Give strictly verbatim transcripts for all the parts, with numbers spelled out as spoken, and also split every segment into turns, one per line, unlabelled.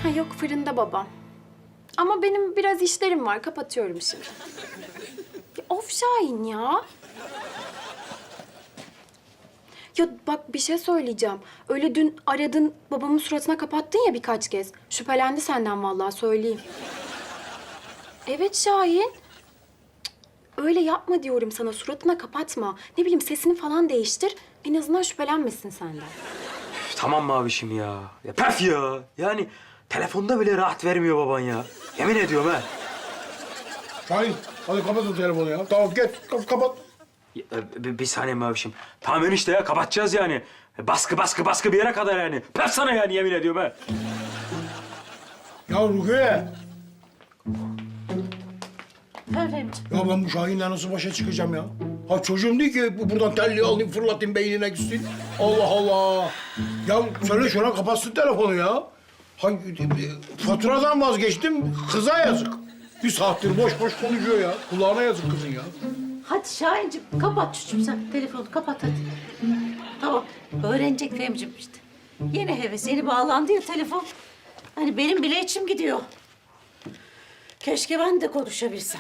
Ha, yok fırında babam. Ama benim biraz işlerim var. Kapatıyorum şimdi. Ya, of Şahin ya. Ya bak bir şey söyleyeceğim. Öyle dün aradın babamın suratına kapattın ya birkaç kez. Şüphelendi senden vallahi söyleyeyim. Evet Şahin. Cık, öyle yapma diyorum sana. Suratına kapatma. Ne bileyim sesini falan değiştir. En azından şüphelenmesin senden.
Üf, tamam mavişim ya. Ya pef ya. Yani telefonda bile rahat vermiyor baban ya. Yemin ediyorum ha.
Şahin, hadi kapat o telefonu ya. Tamam, geç, kap- kapat.
Ya, e, bir, bir saniye mavişim. Tamam enişte ya kapatacağız yani. E, Baskı baskı baskı bir yere kadar yani. Pef sana yani yemin ediyorum ha.
Ya Rukiye,
Efendim?
ya ben bu Şahin'le nasıl başa çıkacağım ya? Ha çocuğum değil ki bu- buradan telliyi alayım, fırlatayım, beynine gitsin. Allah Allah. Ya söyle şuna kapatsın telefonu ya. Hangi, faturadan vazgeçtim, kıza yazık. Bir saattir boş boş konuşuyor ya. Kulağına yazık kızın ya.
Hadi Şahincim kapat çocuğum sen telefonu kapat hadi. Tamam öğrenecek Femcim işte. Yeni heves yeni bağlandı ya telefon. Hani benim bile içim gidiyor. Keşke ben de konuşabilsem.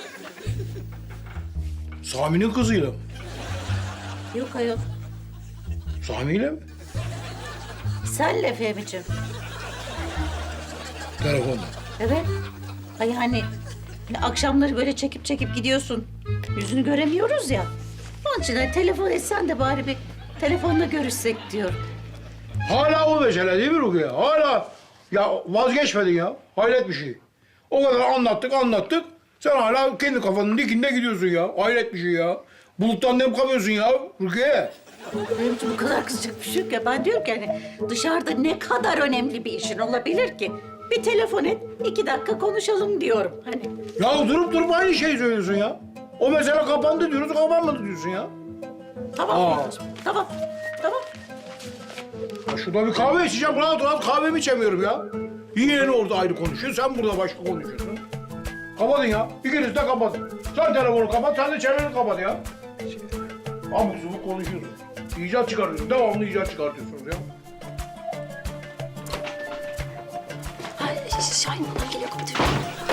Sami'nin kızıyla mı?
Yok ayol.
Sami'yle mi?
Senle Femcim.
Telefonda.
Evet. Ay hani hani akşamları böyle çekip çekip gidiyorsun. Yüzünü göremiyoruz ya. Onun için hani telefon etsen de bari bir telefonla görüşsek diyorum.
Hala o mesele değil mi Rukiye? Hala ya vazgeçmedin ya. Hayret bir şey. O kadar anlattık anlattık. Sen hala kendi kafanın dikinde gidiyorsun ya. Hayret bir şey ya. Buluttan nem kapıyorsun ya Rukiye.
Benim için bu kadar kızacak bir şey yok ya. Ben diyorum ki hani dışarıda ne kadar önemli bir işin olabilir ki? Bir telefon et, iki dakika konuşalım diyorum hani.
Ya durup durup aynı şeyi söylüyorsun ya. O mesele kapandı diyoruz, kapanmadı diyorsun ya.
Tamam
Aa.
Femciğim, tamam, tamam.
Ya şurada bir kahve içeceğim, rahat rahat kahvemi içemiyorum ya. Yeğeni orada ayrı konuşuyor, sen burada başka konuşuyorsun. Kapatın ya, ikiniz de kapatın. Sen telefonu kapat, sen de çeneni kapat ya. Abuk subuk konuşuyorsun. İcat çıkartıyorsun, devamlı icat çıkartıyorsunuz ya.
Ay, Şahin babam geliyor kapatıyorum.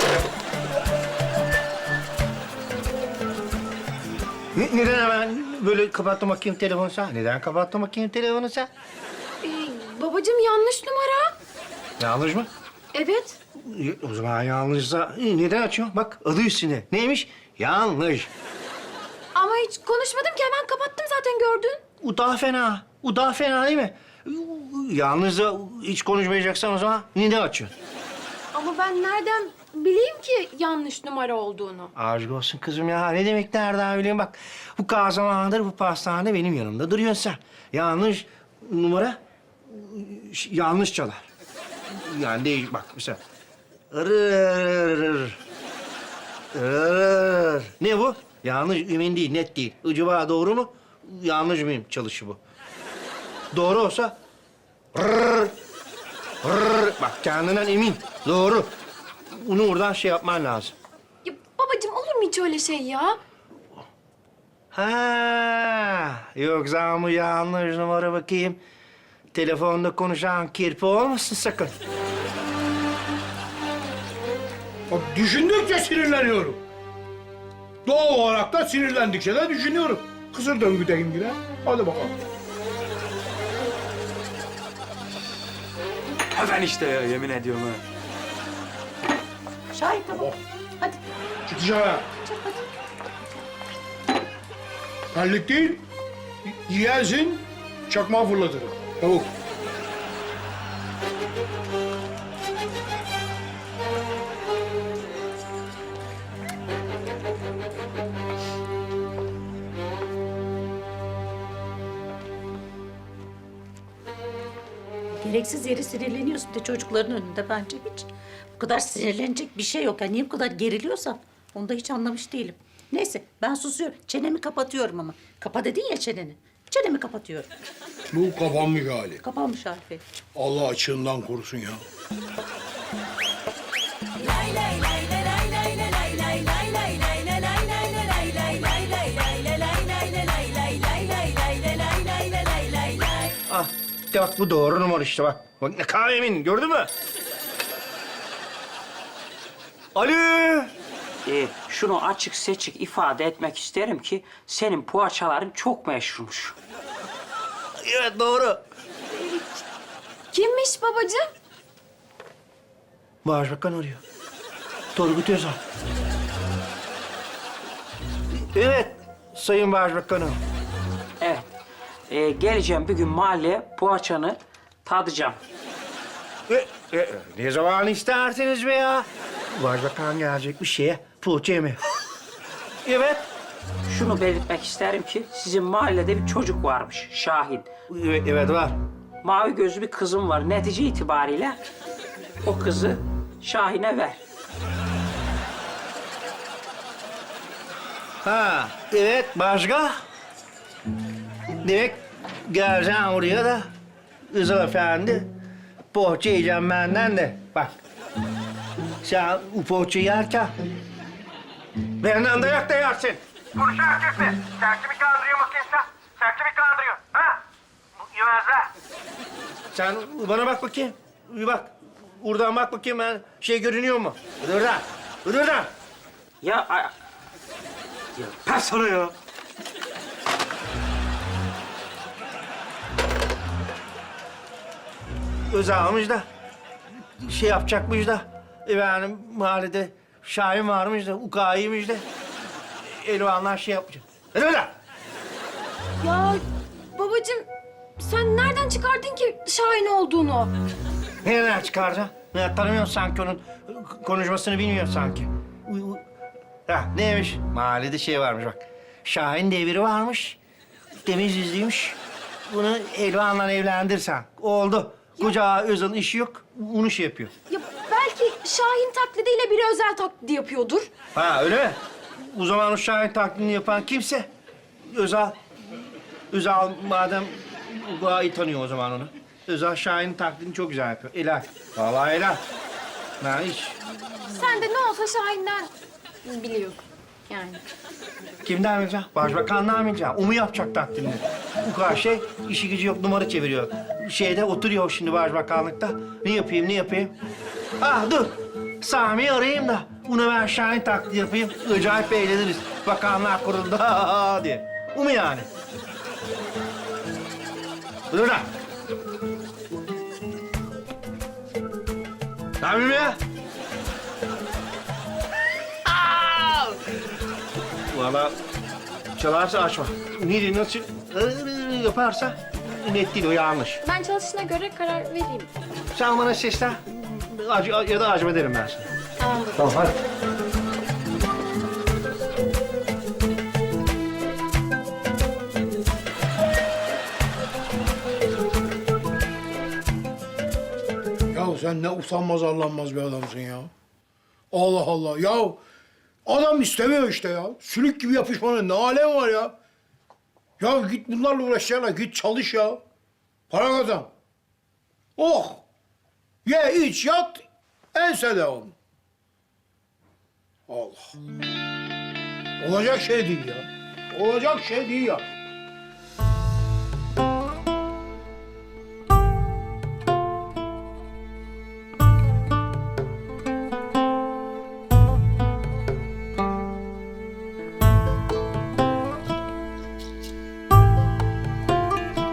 Ne- Neden hemen böyle kapattın bakayım telefonu sen? Neden kapattın bakayım telefonu sen?
Ee, babacığım yanlış numara.
Yanlış mı?
Evet.
E, O zaman yanlışsa e, neden açıyorsun? Bak adı üstünde. Neymiş? Yanlış.
Ama hiç konuşmadım ki hemen kapattım zaten gördün.
O daha fena. O daha fena değil mi? Yalnızsa hiç konuşmayacaksan o zaman neden açıyorsun?
Ama ben nereden bileyim ki yanlış numara olduğunu?
Aşk olsun kızım ya. Ne demek nereden bileyim bak. Bu kadar zamandır bu pastane benim yanımda duruyorsun sen. Yanlış numara ş- yanlış çalar. Yani değil bak mesela. Rrrr. Rrrr. Ne bu? Yanlış emin değil, net değil. Acaba doğru mu? Yanlış mıyım çalışı bu? Doğru olsa rrrr. Rrrr. Bak kendinden emin. Doğru. Bunu oradan şey yapman lazım.
Ya babacığım olur mu hiç öyle şey ya?
Ha, yoksa bu yanlış numara bakayım. Telefonda konuşan kirpi olmasın sakın.
Bak düşündükçe sinirleniyorum. Doğal olarak da sinirlendikçe de düşünüyorum. Kısır döngüdeyim yine. Hadi bakalım.
Pef enişte ya yemin ediyorum ha.
Şahin tamam. Hadi,
Çık dışarı.
çık hadi.
Terlik değil, yiyersin, çakmağı fırlatırım. Çabuk.
Gereksiz yere sinirleniyorsun de çocukların önünde bence hiç. Bu kadar sinirlenecek bir şey yok. Yani niye bu kadar geriliyorsan onu da hiç anlamış değilim. Neyse ben susuyorum. Çenemi kapatıyorum ama. Kapa dedin ya çeneni. Çenemi kapatıyorum.
Bu kapanmış hali.
Kapanmış Arife.
Allah açığından korusun ya.
Ah, de bak bu doğru numara işte bak. Bak ne kahvemin gördün mü? Alo.
Ee, şunu açık seçik ifade etmek isterim ki senin poğaçaların çok meşhurmuş.
Evet doğru.
Kimmiş babacığım?
Başbakan arıyor. Turgut Özal. Evet, Sayın Başbakanım.
Evet. Ee, geleceğim bir gün mahalleye poğaçanı tadacağım.
E, e, ne zaman isterseniz be ya? Başbakan gelecek bir şeye poğaça yeme. Evet.
Şunu belirtmek isterim ki sizin mahallede bir çocuk varmış Şahin.
Evet, evet var.
Mavi gözlü bir kızım var. Netice itibariyle o kızı Şahin'e ver.
Ha, evet başka? Demek geleceğim oraya da Rıza Efendi poğaça yiyeceğim benden de. Bak, sen bu poğaça yerken benden dayak da yersin.
Konuşan erkek mi? Sertçi mi kandırıyor makinesi? Sertçi mi kandırıyor? Ha? Bu yemezler.
Sen bana bak bakayım. Bir bak. Buradan bak bakayım ben şey görünüyor mu? Buradan. Buradan.
Ya, a-
Ya pef sana ya.
Özalmış da şey yapacakmış da efendim mahallede Şahin varmış da ukayıymış da Elvanlar şey yapacak. Hadi oradan.
Ya babacığım sen nereden çıkardın ki Şahin olduğunu?
Nereden çıkaracağım? Ya, tanımıyorsun sanki onun konuşmasını bilmiyorsun sanki. Uy, uy. Ha, neymiş? Mahallede şey varmış bak. Şahin diye biri varmış. Temiz yüzlüymüş. Bunu Elvan'la evlendirsen. Oldu. Koca Özal'ın işi yok. Onu şey yapıyor.
Ya belki Şahin taklidiyle biri özel taklidi yapıyordur.
Ha öyle mi? O zaman o Şahin taklidini yapan kimse Özal. Özal madem daha iyi tanıyor o zaman onu. Özal Şahin'in taklidini çok güzel yapıyor. Helal. Vallahi helal. Ben hiç...
Sen de ne olsa Şahin'den biliyorsun yani.
Kimden bileceğim? Başbakandan bileceğim. O mu yapacak taklidini? Bu kadar şey işi gücü yok numara çeviriyor. Şeyde oturuyor şimdi başbakanlıkta. Ne yapayım ne yapayım? Ah dur. Sami'yi arayayım da bunu ben Şahin taklidi yapayım. Acayip eğleniriz. Bakanlar kurulda diye. Bu mu yani? Dur lan. Sami ya? Valla çalarsa açma. Neri nasıl ıı, yaparsa net değil o yanlış.
Ben çalışına göre karar vereyim.
Sen bana seslen acı, ya da acım ederim ben sana.
Tamam baba.
Tamam hadi.
Ya sen ne utanmaz arlanmaz bir adamsın ya. Allah Allah. Ya adam istemiyor işte ya. Sülük gibi yapışmanın ne alemi var ya. Ya git bunlarla uğraşacağına git çalış ya. Para kazan. Oh. Ye iç yat ense devam. Allah. Olacak şey değil ya. Olacak şey değil ya.